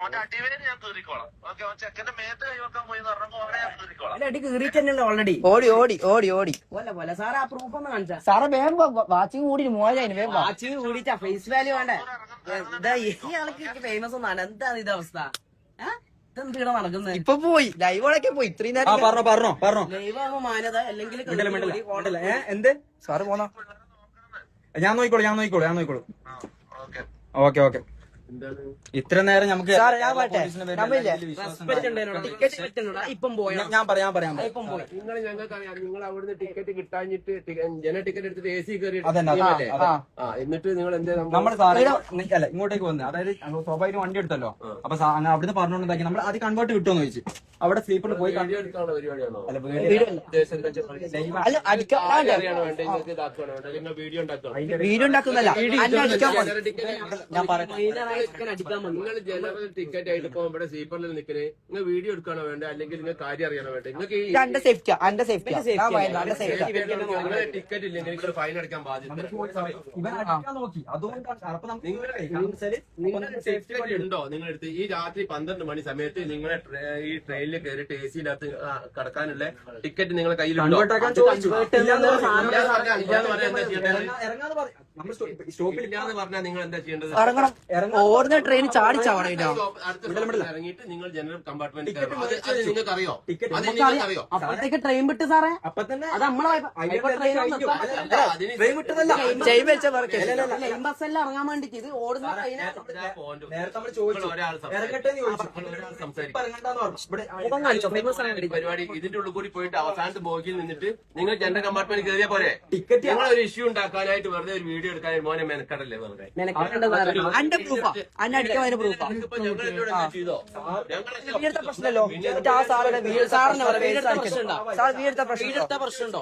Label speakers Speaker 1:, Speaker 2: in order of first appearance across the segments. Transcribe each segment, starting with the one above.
Speaker 1: അടി കീറിയിട്ടല്ലോ ഓൾറെഡി.
Speaker 2: ഓടി ഓടി ഓടി ഓടി
Speaker 1: പോലെ പോലെ സാറ് ആ പ്രൂഫ് ഒന്ന് കാണിച്ചാ.
Speaker 2: സാറേ വേഗം വാച്ചിങ് കൂടി മോശമായി വേഗം
Speaker 1: വാച്ചിങ് കൂടിയിട്ടാ ഫേസ് വാല്യൂ വേണ്ടേ. എന്താ ഈ ആൾക്ക് ഫേമസ് ഒന്നാണ്. എന്താണ് ഇത് അവസ്ഥ? ഇതെന്തിനാ നടക്കുന്നത്?
Speaker 2: ഇപ്പൊ പോയി ലൈവോടൊക്കെ പോയി ഇത്രയും നേരം
Speaker 3: പറഞ്ഞോ
Speaker 1: ലൈവ് ആകുമ്പോ മാനത അല്ലെങ്കിൽ
Speaker 3: എന്ത്
Speaker 2: സാറ് പോന്നോ?
Speaker 3: ഞാൻ നോക്കിക്കോളൂ ഓക്കെ ഇത്ര നേരം നമുക്ക്
Speaker 1: ഇപ്പം പോയോ?
Speaker 3: ഞാൻ പറയാം
Speaker 1: ഇപ്പം പോയി.
Speaker 4: നിങ്ങൾ ഞങ്ങൾക്കറിയാം, നിങ്ങൾ അവിടുന്ന് ടിക്കറ്റ് കിട്ടാഞ്ഞിട്ട് ജന ടിക്കറ്റ് എടുത്തിട്ട് AC കയറി എന്നിട്ട് നിങ്ങൾ എന്താ
Speaker 3: നമ്മൾ സാറേ അല്ല ഇങ്ങോട്ടേക്ക് വന്നത്, അതായത് സ്വാഭാവികം വണ്ടി എടുത്തല്ലോ. അപ്പൊ അവിടുന്ന് പറഞ്ഞുകൊണ്ടാക്കി നമ്മൾ അത് കൺവേർട്ട് കിട്ടുമെന്ന് ചോദിച്ചു. അവിടെ സ്ലീപ്പറിൽ പോയി
Speaker 4: എടുക്കാനുള്ള പരിപാടിയാണോ? വീഡിയോ
Speaker 2: വീഡിയോ ഉണ്ടാക്കുന്നല്ല
Speaker 4: നിങ്ങൾ ജനറൽ ടിക്കറ്റ് ആയിട്ട് ഇപ്പൊ ഇവിടെ സ്ലീപ്പറിൽ നിൽക്കുന്നത്, നിങ്ങൾ വീഡിയോ എടുക്കണോ വേണ്ട, അല്ലെങ്കിൽ നിങ്ങൾ കാര്യം അറിയണോ വേണ്ട? നിങ്ങൾക്ക് ടിക്കറ്റ് ഇല്ലെങ്കിൽ നിങ്ങൾ ഫൈൻ അടക്കാൻ ബാധ്യത. ഉണ്ടോ നിങ്ങളെടുത്ത് ഈ രാത്രി 12 മണി സമയത്ത് നിങ്ങളെ ഈ ട്രെയിനിൽ കയറിയിട്ട് AC യിനകത്ത് കടക്കാനുള്ള ടിക്കറ്റ് നിങ്ങളുടെ കയ്യിലുണ്ടോ? സ്റ്റോപ്പിലില്ലാന്ന് പറഞ്ഞാൽ നിങ്ങൾ എന്താ ചെയ്യേണ്ടത്?
Speaker 2: ഓടുന്ന ട്രെയിൻ ചാടിച്ചാവണം.
Speaker 4: ഇറങ്ങിയിട്ട് നിങ്ങൾ ജനറൽ കമ്പാർട്ട്മെന്റ് നിങ്ങൾക്ക് അറിയോ?
Speaker 1: അപ്പോഴത്തേക്ക് ട്രെയിൻ വിട്ട് സാറേ.
Speaker 3: അപ്പൊ തന്നെ
Speaker 1: അത് നമ്മളെ
Speaker 2: ചെയിൻ വെച്ച
Speaker 1: ലൈൻ ബസ്സെല്ലാം ഇറങ്ങാൻ വേണ്ടിട്ട് ഇത് ഓടുന്ന
Speaker 4: പരിപാടി ഇതിന്റെ ഉള്ളിൽ കൂടി പോയിട്ട് അവസാനത്തെ ബോഗിയിൽ നിന്നിട്ട് നിങ്ങൾ ജനറൽ കമ്പാർട്ട്മെന്റ് കയറിയാ പോരെ? ടിക്കറ്റ് ഞങ്ങൾ ഒരു ഇഷ്യൂ ഉണ്ടാക്കാനായിട്ട് വെറുതെ ഒരു വീഡിയോ എടുക്കാനായിട്ട് മോനെ മെനക്കടല്ലേ വെറുതെ?
Speaker 2: പ്രശ്നമല്ലോ. ആ സാറുടെ പ്രശ്നമുണ്ടോ?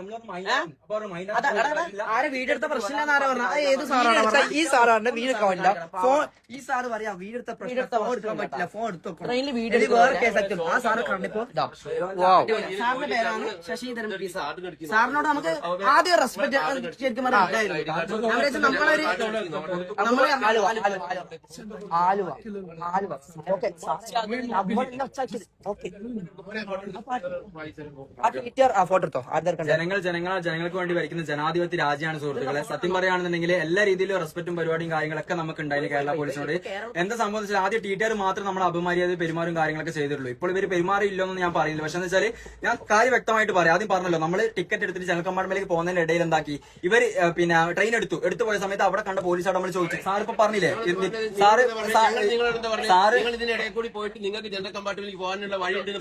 Speaker 1: ആരെ വീടെടുത്ത പ്രശ്നമില്ലെന്ന് ആരാ പറഞ്ഞ? ഏത് സാറാണ്?
Speaker 2: ഈ സാറാണ് വീടെടുക്കാൻ പറ്റില്ല. ഫോൺ ഈ സാറ് പറയാ വീടെടുത്ത പ്രശ്നം ഫോൺ എടുക്കാൻ പറ്റില്ല. ഫോൺ എടുത്തു
Speaker 1: ട്രെയിനിൽ വീഡിയോ
Speaker 2: വേറെ കേസാക്കി. ആ സാറ് കണ്ടിപ്പോ
Speaker 1: സാറിന്റെ പേരാണ് ശശിധരൻ പി സാർ. സാറിനോട് നമുക്ക് ആദ്യം റെസ്പെക്ട് ശരിക്കും പറയാം. നമ്മളൊരു
Speaker 2: ആലുവ ഓക്കെ. ഫോട്ടോ എടുത്തോ.
Speaker 3: ജനങ്ങൾക്ക് വേണ്ടി ഭരിക്കുന്ന ജനാധിപത്യ രാജ്യമാണ് സുഹൃത്തുക്കളെ. സത്യം പറയുകയാണെന്നുണ്ടെങ്കിൽ എല്ലാ രീതിയിലും റെസ്പെക്റ്റും പരിപാടിയും കാര്യങ്ങളൊക്കെ നമുക്ക് ഉണ്ടായിരുന്നു കേരള പോലീസിനോട്. എന്താ സംബന്ധിച്ചാൽ ആദ്യം TTR മാത്രം നമ്മൾ അപമര്യാദ പെരുമാറും കാര്യങ്ങളൊക്കെ ചെയ്തിട്ടുള്ളൂ. ഇപ്പോൾ ഇവർ പെരുമാറിയില്ലെന്ന് ഞാൻ പറയുന്നില്ല. പക്ഷെ എന്ന് വെച്ചാൽ ഞാൻ കാര്യം വ്യക്തമായിട്ട് പറയാം. ആദ്യം പറഞ്ഞല്ലോ, നമ്മൾ ടിക്കറ്റ് എടുത്തിട്ട് ജനറൽ കമ്പാർട്ട്മെന്റിലേക്ക് പോകുന്നതിന്റെ ഇടയിൽ എന്താക്കി ഇവർ പിന്നെ ട്രെയിൻ എടുത്തു പോയ സമയത്ത് അവിടെ കണ്ട പോലീസോട് നമ്മൾ ചോദിച്ചു. സാർ ഇപ്പൊ പറഞ്ഞില്ലേ സാറ്
Speaker 4: ഇതിനിടയിൽ കൂടി പോയിട്ട് നിങ്ങൾക്ക് ജനറൽ കമ്പാർട്ട്മെന്റിലേക്ക് പോകാനുള്ള വഴി
Speaker 3: ഇടയിൽ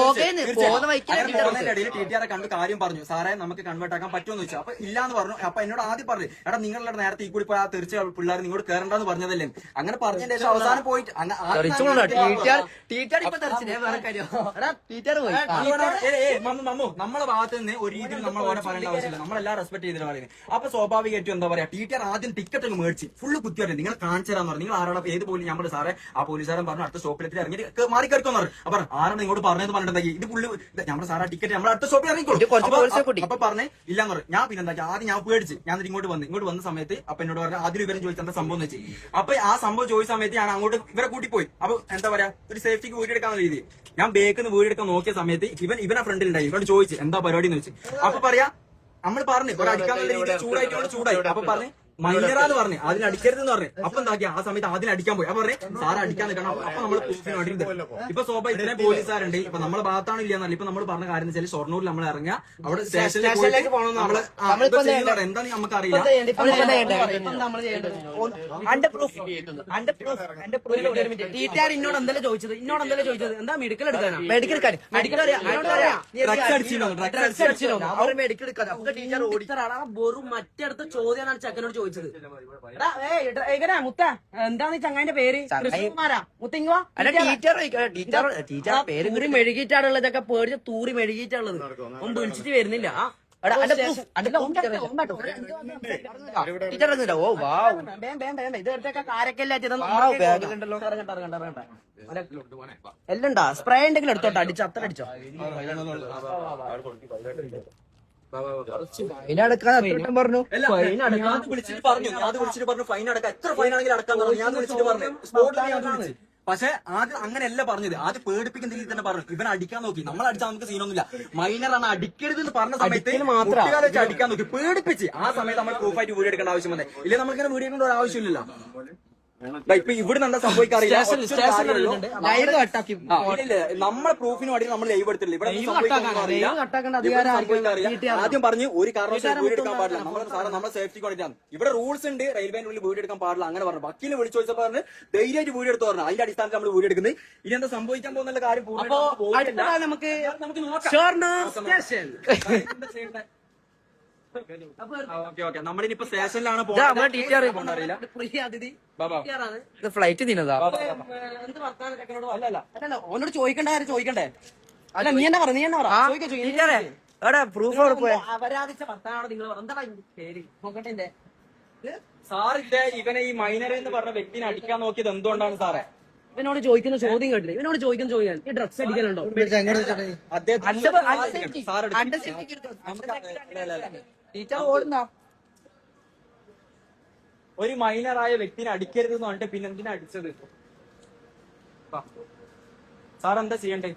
Speaker 3: TTR കണ്ട് കാര്യം പറഞ്ഞു. സാറേ നമുക്ക് കൺവേർട്ട് ആക്കാൻ പറ്റുമെന്ന് ചോദിച്ചു. അപ്പൊ ഇല്ലാന്ന് പറഞ്ഞു. അപ്പൊ എന്നോട് ആദ്യം പറഞ്ഞു, എടാ നിങ്ങളുടെ നേരത്തെ ഈ കൂടി പോയി ആ തീർച്ചയായും പിള്ളേർ നിങ്ങളോട് കയറണ്ടെന്ന് പറഞ്ഞതല്ലേ? അങ്ങനെ പറഞ്ഞതിന് ശേഷം അവസാനം പോയിട്ട് നമ്മളെ ഭാഗത്ത് നിന്ന് ഒരു രീതിയിൽ നമ്മൾ ഓരോ പറയേണ്ട ആവശ്യമില്ല. നമ്മളെല്ലാം റെസ്പെക്ട് ചെയ്തിട്ട് പറയുന്നത്. അപ്പൊ സ്വാഭാവികമായിട്ടും എന്താ പറയാ, TTR ആദ്യം ടിക്കറ്റ് അങ്ങ് മേടിച്ച് ഫുള്ള് കുത്തിയായിട്ട് നിങ്ങൾ കാണിച്ചു തരാന്ന് പറഞ്ഞു. നിങ്ങൾ ആരോടെ ഏത് പോലും ഞാൻ പറഞ്ഞു സാറേ ആ പോലീസുകാരൻ പറഞ്ഞു അടുത്ത സ്റ്റോപ്പിലെത്തി ഇറങ്ങി മാറി കയറിക്കോന്ന് പറഞ്ഞു. അപ്പൊ ആരാണ് ഇങ്ങോട്ട് പറഞ്ഞത് പറഞ്ഞിട്ടുണ്ടെങ്കിൽ ഇത് പുള്ളി നമ്മുടെ സാറാ ടിക്കറ്റ് നമ്മൾ അടുത്ത സ്റ്റോപ്പിൽ ഇറങ്ങിക്കോളും. അപ്പൊ പറഞ്ഞേ ഇല്ലാന്ന് പറഞ്ഞു. ഞാൻ പിന്നെ എന്താ ആദ്യം ഞാൻ പേടിച്ച് ഞാൻ ഇങ്ങോട്ട് വന്ന സമയത്ത് അപ്പൊ എന്നോട് പറഞ്ഞു ആദ്യം ഇവരും ചോദിച്ചാൽ എന്താ സംഭവം എന്ന് വെച്ച്. അപ്പൊ ആ സംഭവം ചോദിച്ച സമയത്ത് ഞാൻ അങ്ങോട്ട് ഇവരെ കൂട്ടിപ്പോയി. അപ്പൊ എന്താ പറയാ ഒരു സേഫ്റ്റിക്ക് വീടെടുക്കാന്ന രീതി ഞാൻ ബേക്കിന്ന് വീടെടുക്കാൻ നോക്കിയ സമയത്ത് ഇവനെ ഫ്രണ്ടിൽ ഉണ്ടായി. ഇവരോട് ചോദിച്ചു എന്താ പരിപാടി എന്ന് വെച്ച്. അപ്പൊ പറയാ നമ്മൾ പറഞ്ഞു ഒരു അടിക്കാന്നുള്ള രീതി ചൂടായി. അപ്പൊ പറഞ്ഞു മൈനറാന്ന് പറഞ്ഞു അതിനടിക്കരുതെന്ന് പറഞ്ഞു. അപ്പൊ എന്താക്കി ആ സമയത്ത് അതിനടിക്കാൻ പോയി. അപ്പൊ പറഞ്ഞു സാറ് അടിക്കാൻ നിൽക്കണം. അപ്പൊ നമ്മൾ ഇപ്പൊ സ്വാഭാവിക ഇത്രയും പോലീസുകാരുണ്ട്. ഇപ്പൊ നമ്മളെ ഭാഗത്താണ് ഇല്ലാന്നല്ല. ഇപ്പൊ നമ്മൾ പറഞ്ഞ കാര്യം വെച്ചാൽ ഷൊർണൂരിൽ നമ്മൾ ഇറങ്ങുക അവിടെ സ്റ്റേഷനിലേക്ക് പോകണം. എന്താ നമുക്ക് അറിയില്ല.
Speaker 1: TTR ഇന്നോട് എന്തെല്ലാം ചോദിച്ചത് എന്താ മെഡിക്കൽ എടുക്കാനാ?
Speaker 2: മെഡിക്കൽ
Speaker 1: വെറും മറ്റടുത്ത ചോദ്യമാണ് ചെക്കനോട് ചോദിച്ചത്. മുത്ത എന്താണ് ചങ്ങാന്റെ പേര്? മുത്തിങ്ങോ തൂറി മെഴുകിയിട്ടാണുള്ളതൊക്കെ പേടിച്ച് തൂറി മെഴുകിയിട്ടാണുള്ളത്. ഒന്നും വിളിച്ചിട്ട് വരുന്നില്ല. ഇതൊക്കെ കാരക്കല്ലാറ്റോ എല്ലാം സ്പ്രേ ഉണ്ടെങ്കിലും എടുത്തോട്ടെ. അടിച്ചോ അത്ര അടിച്ചോ.
Speaker 2: പറഞ്ഞു
Speaker 3: വിളിച്ചിട്ട് പറഞ്ഞു ഫൈൻ അടക്കാം. എത്ര ഫൈൻ ആണെങ്കിലും അടക്കാൻ പറഞ്ഞു. ഞാൻ വിളിച്ചിട്ട് പറഞ്ഞു സ്പോട്ടിൽ പക്ഷെ ആദ്യം അങ്ങനെയല്ല പറഞ്ഞത്, ആദ്യം പേടിപ്പിക്കുന്ന രീതിയിൽ തന്നെ പറഞ്ഞു. ഇവൻ അടിക്കാൻ നോക്കി, നമ്മൾ അടിച്ചാൽ നമുക്ക് സീനൊന്നുമില്ല, മൈനറാണ് അടിക്കരുത് എന്ന് പറഞ്ഞ സമയത്ത് കുട്ടികളെ വെച്ച് അടിക്കാൻ നോക്കി, പേടിപ്പിച്ച്. ആ സമയത്ത് നമ്മൾ പ്രൂഫായിട്ട് വീഡിയോ എടുക്കേണ്ട ആവശ്യം വന്നേ. ഇല്ലേ നമുക്കിങ്ങനെ വീഡിയോ എടുക്കേണ്ട ഒരു ആവശ്യമില്ലല്ലോ. ഇപ്പൊ ഇവിടെ എന്താ സംഭവിക്കാറില്ല, നമ്മളെ പ്രൂഫിന് വേണ്ടി നമ്മൾ ലൈവ് എടുത്തില്ല. ഇവിടെ ആദ്യം പറഞ്ഞ് ഒരു കാരണവശാലും വീഡിയോ എടുക്കാൻ പാടില്ല, നമ്മളെ സേഫ്റ്റിക്ക് വേണ്ടിയിട്ടാണ്. ഇവിടെ റൂൾസ് ഉണ്ട്, റെയിൽവേന്റെ ഉള്ളിൽ വീഡിയോ എടുക്കാൻ പാടില്ല അങ്ങനെ പറഞ്ഞു. വക്കീലിനെ വിളിച്ചു ചോദിച്ചപ്പോൾ പറഞ്ഞ് ധൈര്യമായിട്ട് വീഡിയോ എടുത്ത് പറഞ്ഞു. അതിന്റെ അടിസ്ഥാനത്തിൽ നമ്മൾ വീഡിയോ എടുക്കുന്നത്. ഇനി എന്താ സംഭവിക്കാൻ പോകുന്ന കാര്യം
Speaker 1: നമുക്ക്
Speaker 3: നമ്മളിനിപ്പോ സ്റ്റേഷനിലാണ്
Speaker 2: ഫ്ലൈറ്റ് തിന്നതാ.
Speaker 1: അല്ലല്ല ഓനോട് ചോദിക്കണ്ട, ആരും ചോദിക്കണ്ടേ? അല്ല നീ എന്നാ പറ, നീ എന്നാ പറ,
Speaker 2: പ്രൂഫ്
Speaker 1: അപരാധിച്ച ഭർത്താനാണോ നിങ്ങൾ? എന്താ പേര് നോക്കട്ടെ.
Speaker 3: സാറിന്റെ ഇവനെ ഈ മൈനർ എന്ന് പറഞ്ഞ വ്യക്തിനെ അടിക്കാൻ നോക്കിയത് എന്തുകൊണ്ടാണ് സാറേ?
Speaker 1: ഇവനോട് ചോദിക്കുന്ന ചോദ്യം കേട്ടില്ല. ഇവനോട് ചോദിക്കുന്ന ചോദ്യം, ഈ ഡ്രഗ്സ് അടിക്കലുണ്ടോ?
Speaker 3: ഒരു മൈനറായ വ്യക്തിനെ അടിക്കരുത് എന്ന് പറഞ്ഞിട്ട് പിന്നെ എന്തിനാ അടിച്ചത്? സാർ എന്താ ചെയ്യണ്ടേ?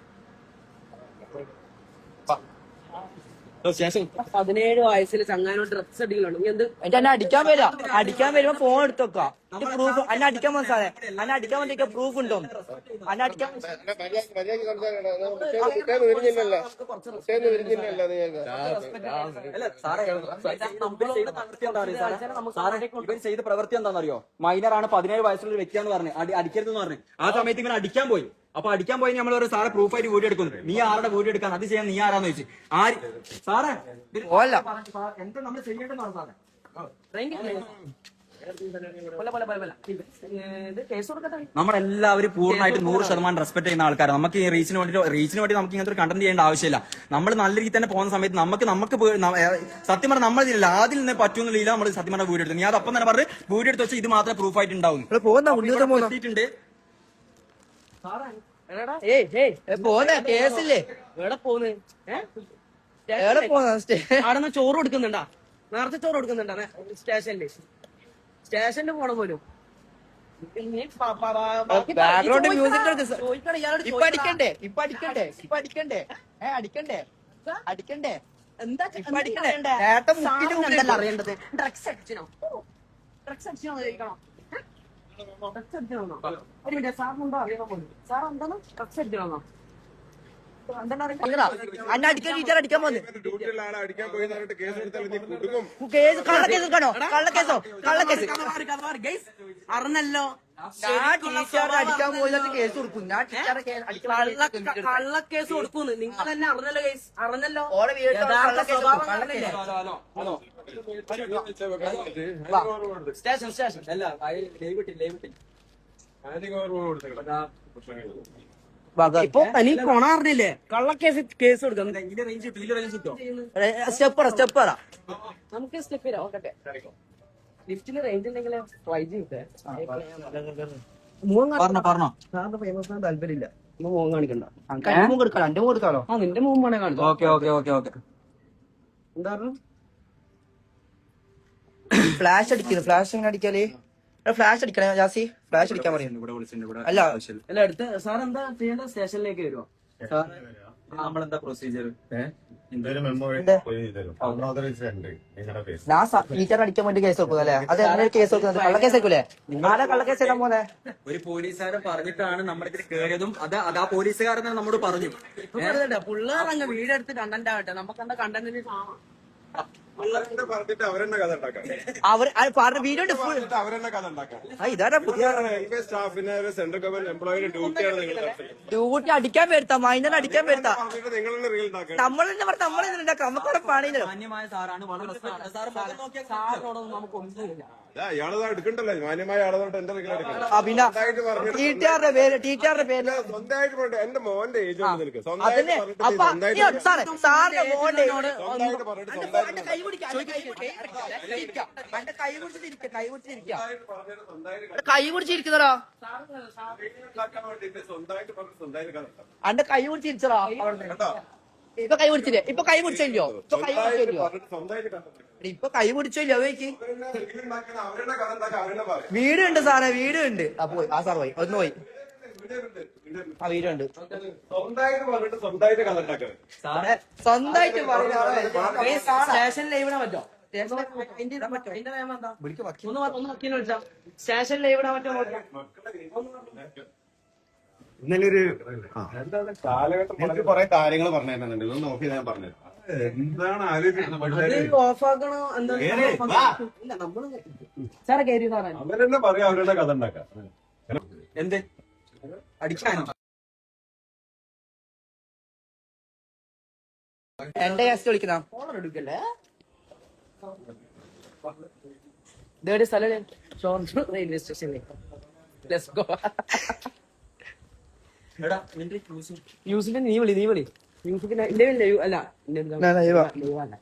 Speaker 1: 17 വയസ്സിൽ ചങ്ങാനോട് ഡ്രഗ്സ് അടിക്കലുണ്ടോ? നീ എന്ത്
Speaker 2: എന്നെ അടിക്കാൻ വരുമ്പോ ഫോൺ എടുത്ത് വെക്കാം. പ്രൂഫ് അന്നെ അടിക്കാൻ പോകുന്ന സാറേ, അന്നെ അടിക്കാൻ വേണ്ടി പ്രൂഫ് ഉണ്ടോ? അന്നെ അടിക്കാൻ
Speaker 3: ഇവൻ ചെയ്ത പ്രവൃത്തി എന്താണെന്നറിയോ? മൈനറാണ്, 17 വയസ്സുള്ള വ്യക്തിയാന്ന് പറഞ്ഞു, അടിക്കരുതെന്ന് പറഞ്ഞു. ആ സമയത്ത് ഇവൻ അടിക്കാൻ പോയി. അപ്പൊ അടിക്കാൻ പോയി നമ്മൾ ഒരു സാറെ പ്രൂഫായിട്ട് വീഡിയോ എടുക്കുന്നു. നീ ആരുടെ വീഡിയോ എടുക്കാൻ, അത് ചെയ്യാൻ നീ ആരാന്ന് ചോദിച്ചു. ആര് സാറേ എന്താ നമ്മൾ ചെയ്യേണ്ടതാണ് സാറേ? നമ്മളെല്ലാവരും പൂർണ്ണമായിട്ട് 100% റെസ്പെക്ട് ചെയ്യുന്ന ആൾക്കാരാണ്. നമുക്ക് ഈ റീച്ചിന് വേണ്ടി നമുക്ക് ഇങ്ങനത്തെ ഒരു കണ്ടന്റ് ചെയ്യേണ്ട ആവശ്യമില്ല. നമ്മൾ നല്ല രീതിയിൽ തന്നെ പോകുന്ന സമയത്ത് നമുക്ക് സത്യം പറഞ്ഞാൽ നമ്മൾ ആദ്യം നിന്ന് പറ്റുന്നില്ല. നമ്മൾ സത്യം പറഞ്ഞ വീഡിയോ എടുത്തു. ഞാൻ അതപ്പം തന്നെ പറഞ്ഞ് വീഡിയോ എടുത്ത് വെച്ചാൽ ഇത് മാത്രമേ പ്രൂഫായിട്ട് ഉണ്ടാവും.
Speaker 2: കേസില്ലേ
Speaker 1: എവിടെ പോന്ന്?
Speaker 2: അവിടെ
Speaker 1: ചോറ് കൊടുക്കുന്നുണ്ടാ? നേരത്തെ ചോറ് കൊടുക്കുന്നുണ്ടാ സ്റ്റേഷനിൽ പോണ പോലും?
Speaker 2: ബാക്ക്ഗ്രൗണ്ട് മ്യൂസിക് അടിക്കണ്ടേ
Speaker 1: എന്താ അറിയേണ്ടത്? ഡ്രഗ്സ് അടിച്ചോ? ഡ്രഗ്സ് അടിച്ചോ ചോദിക്കണോ? ഒരു മിനിറ്റ്, സാറിനുണ്ടോ അറിയാൻ പോലും? സാർ എന്താണ് ഡ്രഗ്സ് അടിക്കണോ?
Speaker 2: അന്നെ അടിക്കാൻ ടീച്ചർ അടിക്കാൻ പോന്ന്
Speaker 1: അറിഞ്ഞല്ലോ.
Speaker 2: ടീച്ചർ അടിക്കാൻ പോയിട്ട് കേസ് കൊടുക്കും. ഞാൻ
Speaker 1: കള്ളക്കേസ് കൊടുക്കുന്നു. നിങ്ങൾ തന്നെ അറിഞ്ഞല്ലോ കേസ്, അറിഞ്ഞല്ലോ.
Speaker 3: സ്റ്റേഷൻ അല്ല
Speaker 1: ഇപ്പൊ തനി കൊണാറില്ലേ? കള്ളക്കേസ് കേസ് കൊടുക്കാം.
Speaker 2: സ്റ്റെപ്പ്
Speaker 1: നമുക്ക് സ്റ്റെപ്പ് തരാം. ഓക്കെ, ലിഫ്റ്റിന് റേഞ്ച് ഉണ്ടെങ്കിൽ
Speaker 3: പറഞ്ഞോ.
Speaker 1: സാറിന് ഫേമസ് ആകാൻ താല്പര്യമില്ല. മോൻ കാണിക്കണ്ട.
Speaker 2: എന്റെ കൊടുക്കാലോ?
Speaker 1: ആ നിന്റെ മോൻ വേണേ കാണിച്ചു.
Speaker 3: ഓക്കെ
Speaker 1: എന്താ പറഞ്ഞു?
Speaker 2: ഫ്ലാഷ് അടിക്കുന്നു. ഫ്ലാഷ് എങ്ങനെ അടിക്കാല്? ഫ്ലാഷ് അടിക്കണേ ജാസി, ഫ്ലാഷ് അടിക്കാൻ പറയുന്നു. അല്ല
Speaker 1: അല്ല അടുത്ത് സാർ എന്താ ചെയ്യേണ്ടത്? സ്റ്റേഷനിലേക്ക് വരുമോ?
Speaker 3: നമ്മളെന്താ പ്രൊസീജിയർ?
Speaker 2: ഞാൻ ടീച്ചർ അടിക്കാൻ വേണ്ടി കേസ് കൊടുക്കും അല്ലേ? അത് എങ്ങനെ കേസ് കൊടുക്കുന്നത്? കള്ളക്കേസ് ആയിരിക്കൂലേ? ആരാ കള്ളക്കേസ് ഇടാൻ പോലെ?
Speaker 3: ഒരു പോലീസുകാരൻ പറഞ്ഞിട്ടാണ് നമ്മുടെ ഇതിൽ കയറിയതും. അത് ആ പോലീസുകാരൻ നമ്മോട് പറഞ്ഞു.
Speaker 1: പിള്ളേർ അങ്ങ് വീടെടുത്ത് കണ്ടന്റ് ആവട്ടെ. നമുക്ക് എന്താ കണ്ടന്റിന്
Speaker 2: അവർ പറഞ്ഞ വീഡിയോ ഇതാ പുതിയ ഡ്യൂട്ടി അടിക്കാൻ വരുത്താം, മൈനർ അടിക്കാൻ വരുത്താം. നമ്മൾ തന്നെ പറഞ്ഞ നമ്മളെ ഉണ്ടാക്കാം. നമുക്കവിടെ പണിയില്ലല്ലോ.
Speaker 3: മാന്യമായ സാറാണ്, വളരെ
Speaker 1: സാറിനോടൊന്നും നമുക്ക് ഒന്നുമില്ല.
Speaker 5: എടുക്കണ്ടല്ലോ മാന്യമായ ആളോട്ട് എന്റെ
Speaker 2: ടീച്ചറുടെ പേര്
Speaker 5: സ്വന്തമായിട്ട് പറഞ്ഞു. എന്റെ മോന്റെ ഏജ് നിനക്ക്
Speaker 2: അതന്നെ. അപ്പൊ സാറിന്റെ മോന്റെ കൈ പിടിച്ചിരിക്കുന്നോ? അന്റെ കൈ പിടിച്ചിരിച്ചോ? ഇപ്പൊ കൈ പിടിച്ചില്ലേ? ഇപ്പൊ കൈ പിടിച്ചല്ലോ? ഇപ്പൊ കൈ പിടിച്ചല്ലോ? വീടുണ്ട് സാറേ, വീടുണ്ട്. അപ്പൊ ആ സാർ പോയി, ഒന്ന് പോയി. ആ വീഡിയോ ഉണ്ട്.
Speaker 5: സ്വന്തമായിട്ട് പറഞ്ഞിട്ട് സ്വന്തമായിട്ട് കഥ ഉണ്ടാക്കുന്നത്.
Speaker 3: സാറേ
Speaker 2: സ്വന്തമായിട്ട്
Speaker 1: സ്റ്റേഷൻ ലൈവ് ഇടാൻ പറ്റോ? അതിന്റെ നിയമം എന്താ? ഒന്ന് വക്കീലിനെ വിളിച്ചാ സ്റ്റേഷൻ ലൈവ് ഇടാൻ പറ്റുമോ?
Speaker 6: ഇന്നലെ ഒരു
Speaker 5: കാലഘട്ടം
Speaker 6: എനിക്ക് കുറെ കാര്യങ്ങൾ പറഞ്ഞു തരുന്നുണ്ട്. ഇതൊന്ന് നോക്കി ഞാൻ പറഞ്ഞു
Speaker 5: എന്താണ് ആലോചിക്കുന്നത്?
Speaker 1: അത് ഓഫാക്കണോ എന്താ? ഇല്ല നമ്മള് സാറെ കയറി സാറേ
Speaker 5: അവരെന്നെ പറയാം അവരുടെ കഥ ഉണ്ടാക്കാം.
Speaker 3: എന്ത് അടിക്കാനോ?
Speaker 2: എന്റെ ഗസ്റ്റ് വിളിക്കുന്ന
Speaker 1: ഫോളർ എടുക്കല്ലേ? ഇതേടെ സ്ഥലം ഷോർണൂർ റെയിൽവേ സ്റ്റേഷനിൽ. Let's go.
Speaker 3: എടാ നിന്റെ
Speaker 1: മ്യൂസിക്കിന്റെ നീ വിളി മ്യൂസിക്കിന്റെ ലൈവ് അല്ല ലൈവ് അല്ല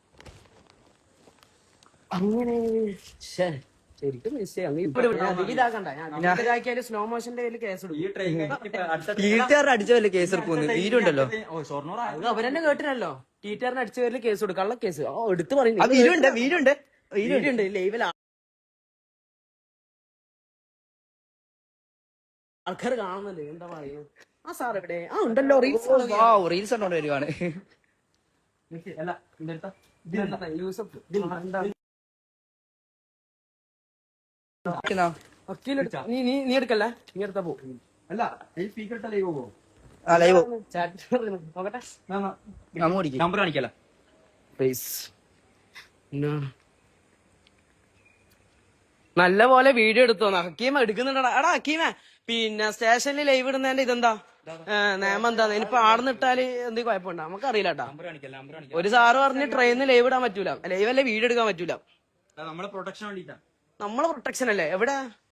Speaker 1: അങ്ങനെ ശരിക്കും ഇതാക്കണ്ട. സ്ലോ മോഷന്റെ പേരിൽ കേസ്
Speaker 3: ഈ ട്രെയിൻ
Speaker 2: ടീച്ചർ അടിച്ചതല്ലേ കേസ് എടുക്കുന്നു. വീഡിയോ ഉണ്ടല്ലോ.
Speaker 3: ഷൊർണൂർ
Speaker 1: അത് അവരെന്നെ കേട്ടിനല്ലോ. ടീച്ചറിനെ അടിച്ച പേരിൽ കേസ് കൊടുക്കും. കള്ള കേസ് എടുത്ത്
Speaker 2: ആ
Speaker 1: പറയുന്നു.
Speaker 2: വീഡിയോ ഉണ്ട്. വീഡിയോ ഉണ്ട്.
Speaker 1: വീഡിയോ ഉണ്ട് ലൈവിൽ ആൾക്കാർ കാണുന്നുണ്ട്. എന്താ പറയുക? ആ സാർ എവിടെ? ആ ഉണ്ടല്ലോ
Speaker 2: റീൽസ് കണ്ടോണ്ട് വരുവാണ്.
Speaker 3: അല്ല ഇതെടുത്താ
Speaker 1: യൂസഫ്
Speaker 2: ആ
Speaker 1: നീ എടുക്കല്ലേ? നീ എടുത്താ പോ.
Speaker 3: അല്ല ഈ സ്പീക്കർ ഇട്ട ലൈവ് പോകും.
Speaker 2: ലൈവ്
Speaker 1: നോക്കട്ടെ.
Speaker 2: അങ്ങോട്ട്
Speaker 3: നമ്പർ കാണിക്കല.
Speaker 1: നല്ല പോലെ വീഡിയോ എടുത്തോന്ന് ഹക്കീമ എടുക്കുന്നുണ്ടടാ. എടാ ഹക്കീമ, പിന്നെ സ്റ്റേഷനിൽ ലൈവ് ഇടുന്നതിന്റെ ഇതെന്താ നിയമം എന്താ? ഇനിയിപ്പോ ആടുന്നിട്ടാല് എന്ത് കുഴപ്പമുണ്ടോ? നമുക്കറിയില്ല കേട്ടാ.
Speaker 3: നമ്പർ കാണിക്കല.
Speaker 1: ഒരു സാറ് പറഞ്ഞ് ട്രെയിനിൽ ലൈവ് ഇടാൻ പറ്റൂല, ലൈവ് അല്ലേ വീഡിയോ എടുക്കാൻ പറ്റൂല.
Speaker 3: നമ്മളെ പ്രൊട്ടക്ഷൻ വേണ്ടിട്ടാ.
Speaker 1: നമ്മളെ പ്രൊട്ടക്ഷൻ അല്ലേ? എവിടെ